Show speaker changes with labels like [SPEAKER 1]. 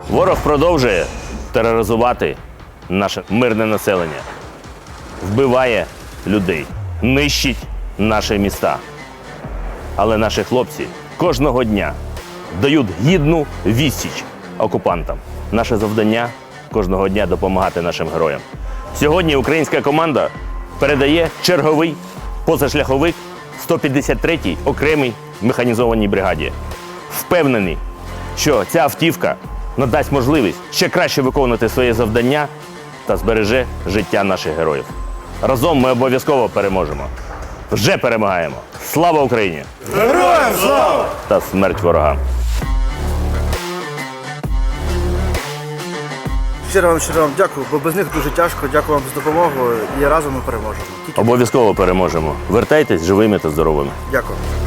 [SPEAKER 1] Ворог продовжує тероризувати наше мирне населення, вбиває людей, нищить наші міста. Але наші хлопці кожного дня дають гідну відсіч окупантам. Наше завдання кожного дня допомагати нашим героям. Сьогодні українська команда передає черговий позашляховик 153-й окремій механізованій бригаді. Впевнений, що ця автівка надасть можливість ще краще виконувати своє завдання та збереже життя наших героїв. Разом ми обов'язково переможемо. Вже перемагаємо. Слава Україні!
[SPEAKER 2] Героям слава!
[SPEAKER 1] Та смерть ворогам!
[SPEAKER 2] Щиро вам дякую, бо без них дуже тяжко. Дякую вам за допомогу і разом ми переможемо.
[SPEAKER 1] Обов'язково переможемо. Вертайтесь живими та здоровими.
[SPEAKER 2] Дякую.